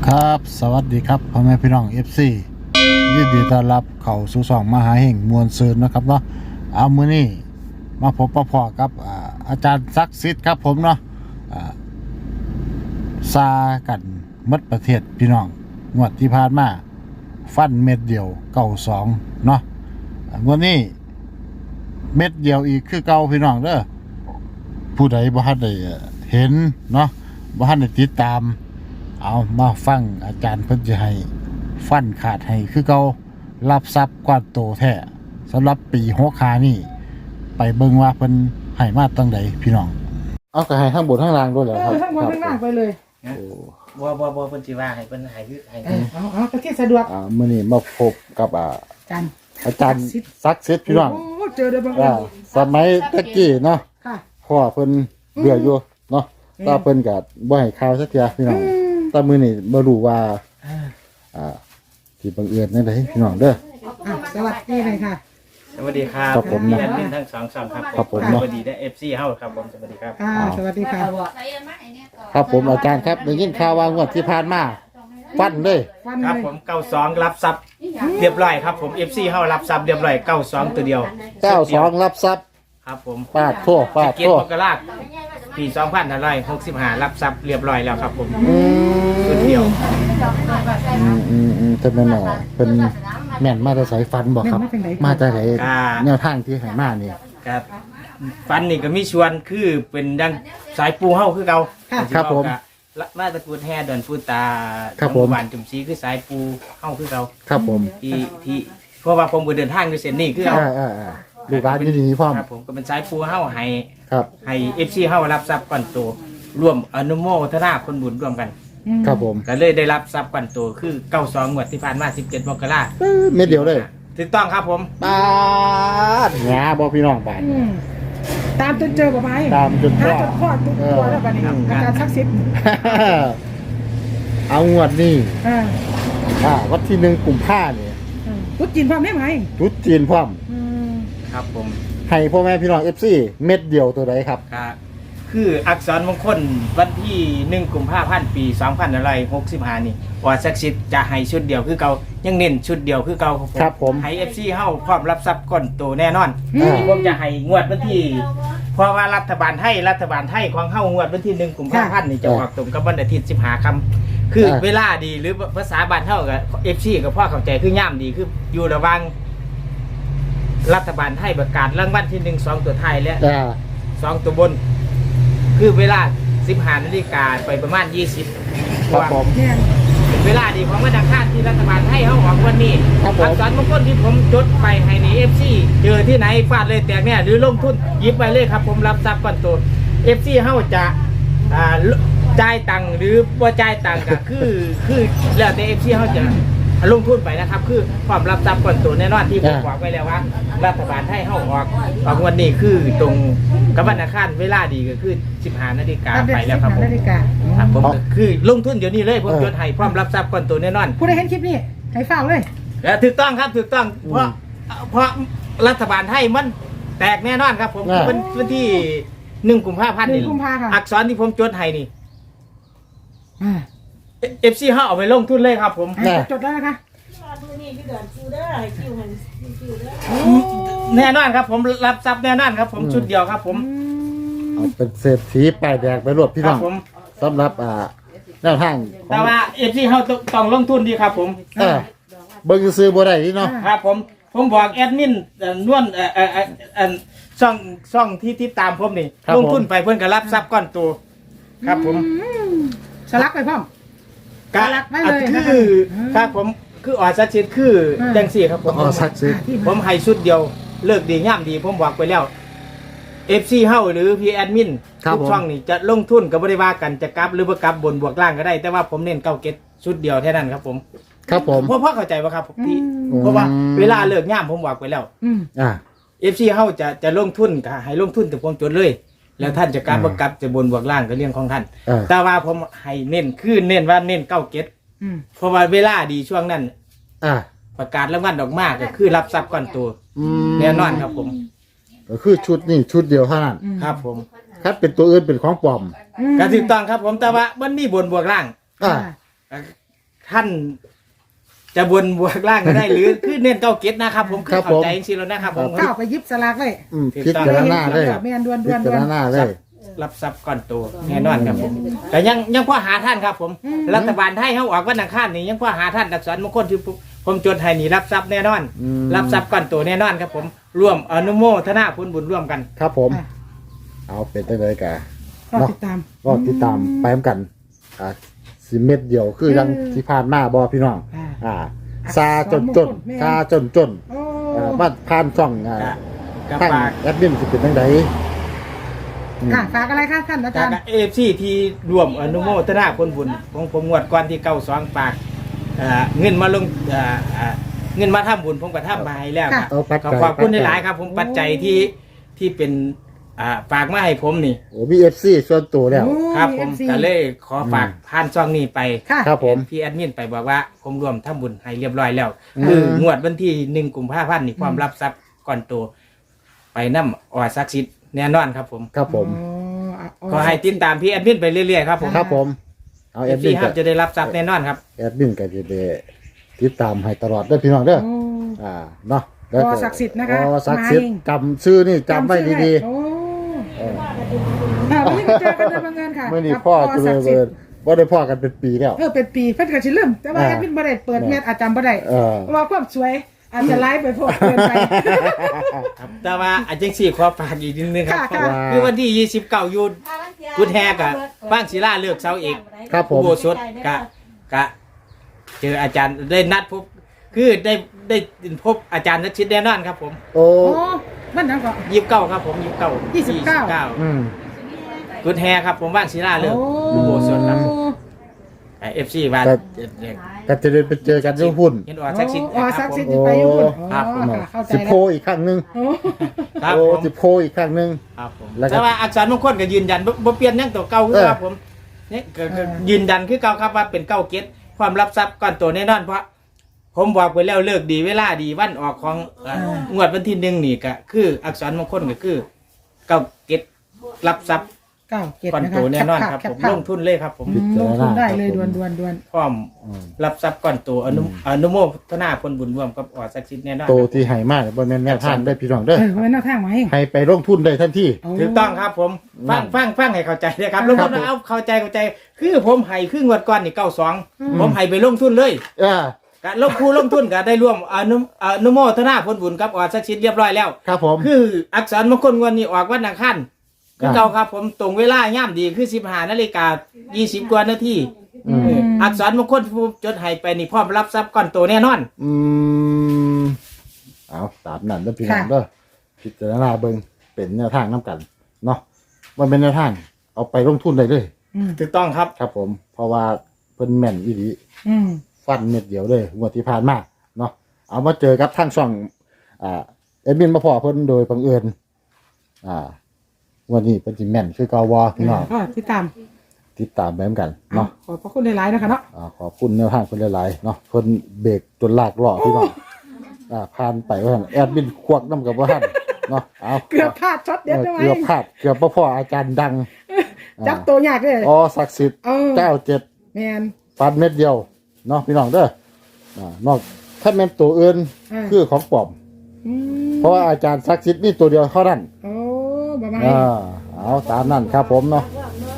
ครับสวัสดีครับพ่อแม่พี่น้อง FC ยินดีต้อนรับเข้าสู่ช่องมหาเห่งมวลซืนนะครับเนาะเอามื้อนี้มาพบปะพอกับอาจารย์ศักดิ์สิทธิ์ครับผมเนาะซากันหมดประเทศพี่น้องงวดที่ผ่านมาฟันเม็ดเดียว92เนาะงวดนี้เม็ดเดียวอีกคือเก่าพี่น้องเด้อผู้ใดบ่ทันได้เห็นเนาะบ่ทันได้ติดตามเอามาฟังอาจารย์เพิ่นจะให้ฟันขาดให้คือเก่ารับทรัพย์กว่าโตแท้สำหรับปี65นี่ไปเบิ่งว่าเพิ่นให้มาตั้งใดพี่น้องเอาก็ให้ทั้งบนทั้งล่างด้วยเหรอครับทั้งบนทั้งล่างไปเลยโอ้บ่เพิ่นสิว่าให้เพิ่นให้คือให้เอาก็ที่สะดวกมื้อนี้มาพบกับอาจารย์ศักดิ์สิทธิ์พี่น้องโอ้เจอได้บ่สมัยตะกี้เนาะค่ะพ่อเพิ่นเบื่ออยู่เนาะตาเพิ่นก็บ่ให้ข่าวสักเทื่อพี่น้องแต่มื้อนี้บ่รู้ว่าที่บังเอิญนั่นได้พี่น้องเด้อสวัสดีเลยค่ะสวัสดีครับครับผมแอดมินทั้ง2ช่องครับผมสวัสดีได้ FC เฮาครับผมสวัสดีครับสวัสดีค่ะครับผมอาจารย์ครับได้ยินข่าวว่างวดที่ผ่านมาฟันเลยครับผม92รับทรัพย์เรียบร้อยครับผม FC เฮารับทรัพย์เรียบร้อย92ตัวเดียว 92รับทรัพย์ครับผมปาดโทษเกียรติมกราคมปี2565รับทรัพย์เรียบร้อยแล้วครับผมตัวเดียวแต่แม่นเป็นแม่นมาแต่สายฟันบอกครับมาแต่ไหนแนวทางที่ให้มานี่ครับฟันนี่ก็มีชวนคือเป็นดังสายปูเฮาคือเก่าครับผมมาตระกูลแห่ดอนปูตาบ้านจุ่มซีคือสายปูเฮาคือเก่าครับผมที่เพราะว่าผมเดินทางด้วยเส้นนี้คือเอาดูการดีๆพร้อมครับผมก็เป็นสายปูเฮาให้ครับให้ FC เฮารับทรัพย์ก่อนโตร่วมอนุโมทนาคนบุญร่วมกันครับผมก็เลยได้รับทรัพย์ก่อนโตคือ92งวดที่ผ่านมา17มกราคมเม็ดเดียวเลยถูกต้องครับผมปาดหงาบ่พี่น้องบาดตามจนเจอบ่ไหมตามจนพ่อทุกตัวแล้วบัดนี้อาจารย์ศักดิ์สิทธิ์เอางวดนี้วันที่1กุมภาพันธ์นี่ตุ๊ดจีนพร้อมได้ไหมตุ๊ดจีนพร้อมครับผมให้พ่อแม่พี่น้อง FC เม็ดเดียวตัวใดครับคืออักษรมงคลวันที่1กุมภาพันธ์ปี2565นี่ว่าศักดิ์สิทธิ์จะให้ชุดเดียวคือเก่ายังเน้นชุดเดียวคือเก่าครับผมให้ FC เฮาพร้อมรับทรัพย์ก่อนโตแน่นอนผมจะให้งวดวันที่เพราะว่ารัฐบาลไทยของเฮางวดวันที่1กุมภาพันธ์นี่จะออกตรงกับวันอาทิตย์15ค่ำคือเวลาดีหรือภาษาบ้านเฮากับ FC กับพ่อเข้าใจคือย่ามดีคืออยู่ระหว่างรัฐบาลไทยประกาศรางวัลที่1 2ตัวท้ายและ2ตัวบนคือเวลา15 นาฬิกาไปประมาณ20 ครับผมเวลาดีของวันอังคารที่รัฐบาลให้เขาออกวันนี้อักษรมงคลที่ผมจดไปให้ใน FC เจอที่ไหนฟาดเลยแตกเนี่ยหรือลงทุนหยิบไปเลยครับผมรับทรัพย์ก่อนตัว FC เขาจะจ่ายตังค์หรือว่าจ่ายตังค์ก็คือแล้วแต่ FC เขาจะลงทุนไปนะครับคือความรับทรัพย์ก่อนตัวแน่นอนที่ผมบอกไว้แล้วว่ารัฐบาลให้เขาออกวันนี้คือตรงกับวันอังคารเวลาดีก็คือ15 นาฬิกาไปแล้วครับผมคือลงทุนเดี๋ยวนี้เลยผมจดให้พร้อมรับทรัพย์ก่อนตัวแน่นอนผู้ใดเห็นคลิปนี้ให้ฝากเลยแล้วถูกต้องครับถูกต้องเพราะรัฐบาลให้มันแตกแน่นอนครับผมวันที่1 กุมภาพันธ์นี่อักษรที่ผมจดให้นี่FC เฮาเอาไปลงทุนเลยครับผมจดแล้วนะคะแน่นอนครับผมรับทรัพย์แน่นอนครับผมชุดเดียวครับผมเอาเป็นเศรษฐีป้ายแดงไปรวบพี่น้องสำหรับแนวทางแต่ว่า FC เฮาต้องลงทุนดีครับผมเบิ่งซื้อบ่ได้นี่เนาะครับผมบอกแอดมินนวลช่องที่ตามผมนี่ลงทุนไปเพิ่นก็รับทรัพย์ก้อนโตครับผมสลักไปพร้อมคือครับผมคือออสักชิดคือจังสี่ครับผมผมให้ชุดเดียวเลิกดีง่ามดีผมบอกไปแล้ว FC เฮาหรือพี่แอดมินทุกช่องนี่จะลงทุนกับบริวารกันจะกลับหรือบ่กลับบนบวกล่างก็ได้แต่ว่าผมเน้นเก้าเก็ตชุดเดียวแค่นั้นครับผมครับผมพ่อเข้าใจป่ะครับที่เพราะว่าเวลาเลิกง่ามผมบอกไปแล้วFC เฮาจะลงทุนก็ให้ลงทุนแต่ผมจดเลยแล้วท่านจะกลับบ่กลับจะบนบวกล่างก็เรื่องของท่านแต่ว่าผมให้เน้นคือเน้นว่าเน้นเก้าเก็ตเพราะว่าเวลาดีช่วงนั้นประกาศรางวัลดอกมากก็คือรับทรัพย์ก่อนตัวแน่นอนครับผมก็คือชุดนี้ชุดเดียวเท่านั้นครับผมครับเป็นตัวอื่นเป็นของปลอมก็ถูกต้องครับผมแต่ว่ามันมีบนบวกล่างท่านจะบนบวกล่างก็ได้ หรือคือเน้นเก้าเก็ตนะครับผมคือเข้าใจจริงๆแล้วนะครับผมก้าวไปยิบสลากเลยพิจารณาเลยแม่นดวนพิจารณาเลยรับทรัพย์ก่อนตัวแน่นอนครับผมแต่ยังพอหาท่านครับผมรัฐบาลไทยเขาออกวันอังคารนี่ยังพอหาท่านอักษรมงคลที่ผมจดให้นี่รับทรัพย์แน่นอน รับทรัพย์ก่อนตัวแน่นอนครับผมร่วมอนุโมทนาผลบุญร่วมกันครับผม เอาเป็นได้เลยกะก็ติดตามก็ติดตามไปเหมือนกันสิเม็ดเดียวคือยังที่ผ่านมาบอพี่น้องซาจนซาจนโอ้บ้านผ่านช่องกับทางฝากแอดมินสิเป็นจังไดค่ะฝากอะไรคะท่านอาจารย์กับAFCที่ร่วมอนุโมทนาผลบุญของผมงวดก่อนที่92ฝากเงินมาลงเงินมาทำบุญผมก็ทำมาให้แล้วครับเอาปัจจัยขอบคุณหลายๆครับ ผมปัจจัยที่เป็นฝากมาให้ผมนี่โอ้มีFC ส่วนตัวแล้วครับผมก็เลยขอฝากผ่านช่องนี้ไปค่ะครับผมพี่แอดมินไปบอกว่าผมรวมทำบุญให้เรียบร้อยแล้ว คืองวดวันที่1 กุมภาพันธ์นี่ความรับทรัพย์ก่อนโตไปนำอศักดิ์สิทธิ์แน่นอนครับผมครับผมก็ให้ติดตามพี่แอดมินไปเรื่อยๆครับผมครับผม เอาแอดมิพี่นครักับบ จะได้รับทรัพย์แน่นอนครับแอดมินกับจะได้ติดตามให้ตลอดเด้อพี่น้องเด้อเนาะแล้วอศักดิ์สิทธิ์นะคะอศักดิ์สิทธิ์จำชื่อนี่จำไว้ดีโอ้ๆเออวันนี้มาเจอกันโดยบังเอิญค่ะเมื่อนี้พ่อจะเลย ว่าได้พ่อกันเป็นปีแล้วเป็นปีเพิ่นก็สิเริ่มแต่ว่าแอดมินบ่ได้เปิดเม็ดอาจารย์บ่ได้ เพราะว่าความสวยอาจจะไลฟ์ไปพวกเกินไปครับแต่ว่าอาจจะสี่ขอฝากอีกนิดนึงครับค่ะคือวันที่29อยู่กุดแฮกะบ้านศิลาเลือกเสาเอกครับผมอุโบสถกะเจออาจารย์ได้นัดพบคือได้พบอาจารย์นักชิดแน่นอนครับผมโอ้โอ้มันนั่นก็ 29ครับผม29 อืมกุดแฮครับผมบ้านศิลาเลือกอุโบสถครับFC บ้านก็จะได้ไปเจอกันที่หุ่นเห็นออสักชิดศักดิ์สิทธิ์ไปอยู่พุ่นครับผมเข้าใจสิแล้โพวอีกครั้งหนึ่งโอ้ครับโอ้ผมสิโพอีกครั้งหนึ่งครับผมแล้วก็แต่ว่าอักษรมงคลก็ยืนยันบ่เปลี่ยนหยังตัวเก่าคือครับผมเนี่ยก็ยืนยันคือเก่าครับว่าเป็นเก้าเก็ตความรับทรัพย์ก้อนโตแน่นอนเพราะผมบอกไปแล้วเลิกดีเวลาดีวันออกของงวดวันที่1นี่ก็คืออักษรมงคลก็คือเก้าเก็ตรับทรัพย์ 97 ก้อนนะโตคะแน่นอนครับผมลงทุนเลยครับผมลงทุนได้เลยด่วนพร้อมรับทรัพย์ก้อนโตอนุโมทนาผลบุญร่วมกับออสักดิ์สิทธิ์แน่นอนโตที่ให้มากบนแม่นทางได้พี่น้องเด้อไว้หน้าทางมาเองให้ไปลงทุนได้ทันทีถูกต้องครับผมฟังให้เข้าใจเลยครับลงทุนเอาเข้าใจคือผมให้คืองวดก่อนนี่92ผมให้ไปลงทุนเลย กะลงทุนก็ได้ร่วมอนุโมทนาผลบุญกับออสักดิ์สิทธิ์เรียบร้อยแล้วครับผมคืออักษรมงคลวันนี้ออกวันอังคารคือเก่าครับผมตรงเวลาย่ำดีคือ15:20กว่านาทีอักษรมงคลผู้จดให้ไปนี่พร้อมรับทรัพย์ก้อนโตแน่นอนเอาตามนั้นเด้อพี่น้องเด้อพิจารณาเบิ่งเป็นแนวทางนํกันเนาะมันเป็นแนวทางเอาไปลงทุนได้เลยถูกต้องครับครับผม เพราะว่าเพิ่นแม่นอีหลีฟันเม็ดเดียวเลยงวดที่ผ่านมาเนาะเอามาเจอกับทางช่องเอ็ดมินมาพอเพิ่นโดยบังเอิญวันนี้เป็นสิแม่นคือเกาวอพี่น้องติดตามติดตามไปเหมือนกันเนาะขอบพระคุณหลายๆนะคะเนาะขอบคุณแนวทางคนหลายๆเนาะเพิ่นเบรกจนลากล้อพี่น้องผ่านไปว่าหั่นแอดมินควักน้ำกับว่าท่านเนาะเอาเกือบพลาดช็อตเด็ดได้ไหมเกือบพลาดเกือบบ่พออาจารย์ดังจับตัวยากเลยศักดิ์สิทธิ์97 แมนฟันเม็ดเดียวเนาะพี่น้องเด้อนอกถ้าแม่นตัวอื่นคือของปลอมเพราะว่าอาจารย์ศักดิ์สิทธิ์นี่ตัวเดียวเท่านั้นโอ้ประมาณเอาตามนั้นครับผมเนาะ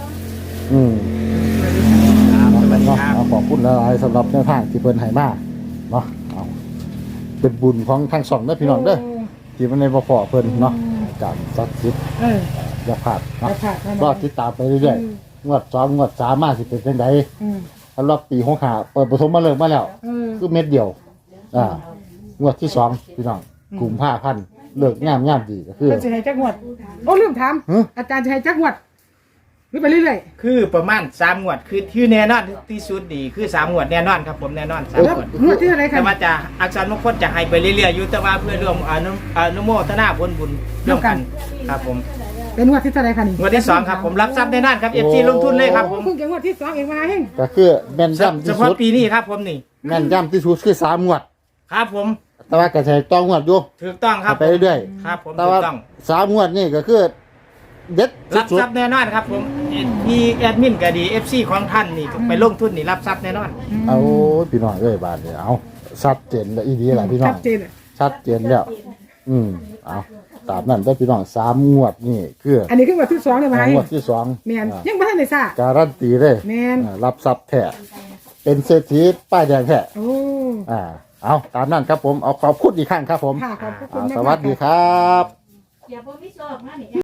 ขอบคุณหลายๆสำหรับแนวทางที่เพิ่นให้มาเนาะเอาเป็นบุญของทางสองเด้อพี่น้องเด้อที่มันในบ่พอเพิ่นเนาะจากศักดิ์สิทธิ์อย่าพลาดเนาะก็ติดตามไปเรื่อยๆงวด2งวด3มาสิเป็นจังไดสำหรับปี65เปิดประสมมาเริ่มมาแล้วคือเม็ดเดียวงวดที่2พี่น้องกุมภาพันธ์เลิกงามดีก็คือจะให้จักงวดโอ้ลืมถามอาจารย์จะให้จักงวดหรือไปเรื่อยคือประมาณ3งวดคือแน่นอนที่สุดดีคือ3งวดแน่นอนครับผมแน่นอน3 ๆแล้วงวดงวดที่อะไรคะแต่ว่าจะอักษรมงคลจะให้ไปเรื่อยๆอยู่แต่ว่าเพื่อร่วมอนุโมทนาผลบุญร่วมกันครับผมเป็นงวดที่เท่าไรคะนี่งวดที่2ครับผมรับทรัพย์แน่นอนครับ FC ลงทุนเลยครับผมเพิ่งจะงวดที่2เองมาเองก็คือแม่นย่ำเฉที่พาะสุดปีนี้ครับผมนี่แม่นย่ำที่สุดคือ3งวดครับผมแต่ว่าก็ใช้ต้องงวดอยู่ถูกต้องครับไปเรื่อยครับผมๆแต่ถูว่ากต้อง 3งวดนี่ก็คือเด็ดรับสุดทรัพย์แน่นอนครับผมมีแอดมินก็ดี FC ของท่านนี่ไปลงทุนนี่รับทรัพย์แน่นอนๆเอาพี่น้องเอ้ยบาทเนี่ยเอาชัดเจนแล้วอีดีแหละพี่น้อชังดเจนอะชัดเจนแล้วเอาตามนั้นได้อพี่น้อง3 งวดนี่คืออันนี้คือวันที่2เลยไหมงวดที่2 แมนยังไม่ทันได้ทราบการันตีเลยแม่นรับทรัพย์แท้เป็นเศรษฐีป้ายแดงแท้โอ้เอาตามนั้นครับผมเอาขอบคุณอีกครั้งครับผมค่ะขอบคุณมากสวัสดีครับอย่าบ่มีโชคนะนี่